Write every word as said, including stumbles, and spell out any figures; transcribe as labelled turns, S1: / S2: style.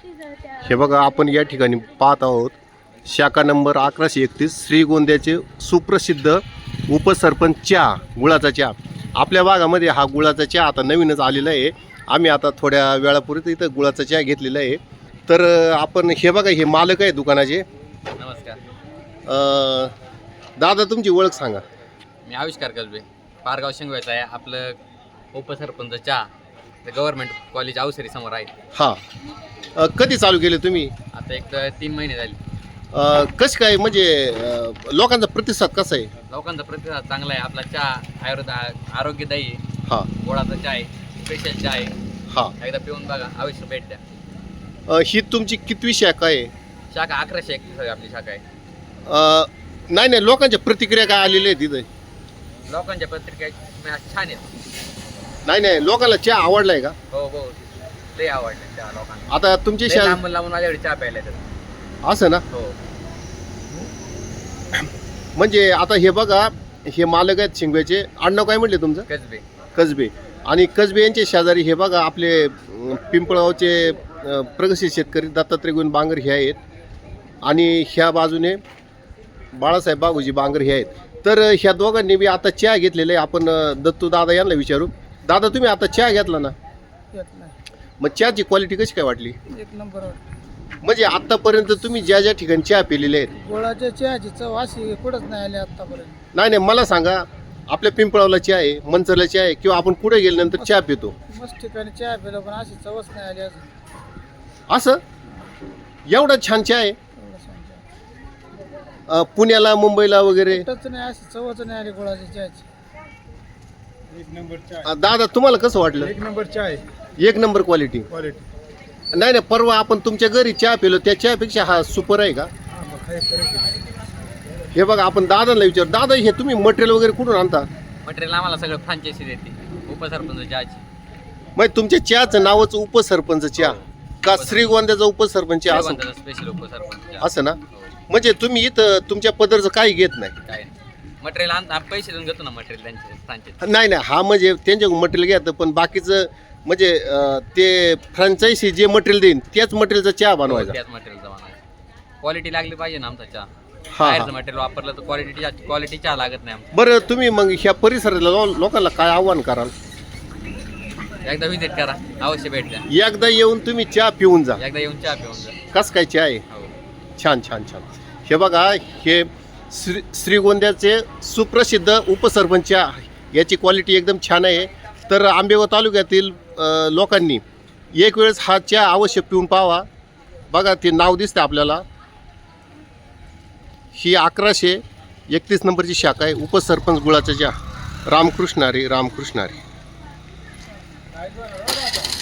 S1: हे बघा आपण या ठिकाणी पाहत आहोत शाखा नंबर अकराशे एकतीस श्रीगोंद्याचे सुप्रसिद्ध उपसरपंच चहा, गुळाचा चहा. आपल्या भागामध्ये हा गुळाचा चहा आता नवीनच आलेला आहे. आम्ही आता थोड्या वेळापूर्वी इथं गुळाचा चहा घेतलेला आहे. तर आपण हे बघा, हे मालक आहे दुकानाचे.
S2: नमस्कार
S1: अ, दादा तुमची ओळख सांगा.
S2: मी आविष्कार कसबे, पारगाव शिंगव्याचा आहे. आपलं उपसरपंच चहा गव्हर्नमेंट कॉलेज अवसरी समोर आहे.
S1: हां, अ, कधी चालू केले तुम्ही?
S2: आता एक तर तीन महिने झाले.
S1: अ, कसं काय म्हणजे अ, लोकांचा प्रतिसाद कसा आहे?
S2: लोकांचा प्रतिसाद चांगला आहे. आपला चहा आयुर्वेद आरोग्यदायी आहे.
S1: हां
S2: गोडाचा चहा आहे, स्पेशल चहा आहे.
S1: हां.
S2: एकदा पिऊन बघा, अवश्य भेट द्या.
S1: अ, ही तुमची कितवी शाखा आहे?
S2: शाखा अकराशे एकतीस आहे आपली शाखा आहे.
S1: अ, नाही नाही, लोकांच्या प्रतिक्रिया काय आलेल्या आहेत तिथे?
S2: लोकांच्या पत्रिका छान आहेत.
S1: नाही नाही, लोकांना चहा आवडलाय का?
S2: हो हो, लय आवडले चहा लोकांना.
S1: आता तुमची
S2: लय
S1: शा
S2: लांबून लांबून माझ्याकडे चहा प्यायला येतात.
S1: असं ना,
S2: हो.
S1: म्हणजे आता हे बघा, हे मालक आहेत शिंगव्याचे. आडनाव काय म्हटले तुमचं?
S2: कसबे.
S1: कसबे. आणि कसबे यांचे शेजारी हे बघा आपले अं, पिंपळगावचे अं, प्रगतशील शेतकरी दत्तात्रय गोविंद बांगर हे आहेत. आणि ह्या बाजूने बाळासाहेब बागुजी बांगर हे आहेत. तर ह्या दोघांनी बी आता चहा घेतलेला आहे. आपण अं, दत्तू दादा यांना विचारू. दादा तुम्ही आता चहा घेतला ना, मग चहाची क्वालिटी कशी काय वाटली?
S3: एक नंबर.
S1: म्हणजे आतापर्यंत तुम्ही ज्या ज्या ठिकाणी चहा पिलेले आहेत,
S3: गोळाच्या चहाची चव अशी कुठंच नाही आली आतापर्यंत.
S1: नाही नाही, मला सांगा, आपल्या पिंपळावला चहा आहे, मंचरला चहा आहे, किंवा आपण कुठे गेल्यानंतर चहा पितो,
S3: मस्त ठिकाणी चहा पिलो पण अशी चवच नाही आली अजून.
S1: असं एवढा छान चहा आहे?
S3: एवढं सांगतो.
S1: अं, पुण्याला मुंबईला वगैरे?
S3: कुठंच नाही, अशी चवच नाही आली गोळाच्या चहाची.
S4: एक नंबर चहा
S1: अं, दादा तुम्हाला कसं वाटलं?
S4: एक नंबर चहा आहे.
S1: एक नंबर क्वालिटी.
S4: क्वालिटी
S1: नाही नाही, परवा आपण तुमच्या घरी चहा पिलो त्या चहापेक्षा हा सुपर आहे का?
S4: हा मग काय करायचं.
S1: हे बघा, आपण दादांना विचार. दादा हे तुम्ही मटेरियल वगैरे कुठून आणता?
S2: मटेरियल आम्हाला सगळं फ्रांचायसी देते उपसरपंच चहाची.
S1: मग तुमच्या चहाचं नावच उपसरपंच चहा का श्रीगोंद्याचा उपसरपंच चहा असं?
S2: स्पेशल उपसरपंच चहा.
S1: असं ना, म्हणजे तुम्ही इथं तुमच्या पदरचं काही घेत नाही?
S2: काय मटेरियल आणता पैसे देऊन घेतो ना मटेरियल त्यांचे फ्रांचायसी.
S1: नाही नाही, हा म्हणजे त्यांच्याकडून मटेरियल घ्यायचं, पण बाकीचं म्हणजे अं, ते फ्रँचायसी जे मटेरियल देईन त्याच मटेरियलचा चहा बनवायचा.
S2: त्याच मटेरियलचा बनवायचा. क्वालिटी लागली पाहिजे ना आमचा चहा.
S1: हा.
S2: बाहेरचं मटेरियल वापरलं तर क्वालिटी क्वालिटी चहा लागत नाही आमचा.
S1: बरं, तुम्ही मग ह्या परिसरातल्या लो- लोकांना काय आव्हान कराल?
S2: एकदा व्हिजिट करा, अवश्य भेट द्या.
S1: एकदा येऊन तुम्ही चहा पिऊन जा.
S2: एकदा येऊन चहा पिऊन जा.
S1: कस काय चहा आहे?
S2: हो.
S1: छान छान छान. हे बघा, हे श्री श्रीगोंद्याचे सुप्रसिद्ध उपसरपंच चहा, याची क्वालिटी एकदम छान आहे. तर आंबेगाव तालुक्यातील अ, लोकांनी एक वेळेस हा चहा अवश्य पिऊन पाहावा. बघा, ते नाव दिसतं आपल्याला. ही अकराशे एकतीस नंबरची शाखा आहे, उपसरपंच गुळाचा चहा. रामकृष्ण हरी, रामकृष्ण हरी.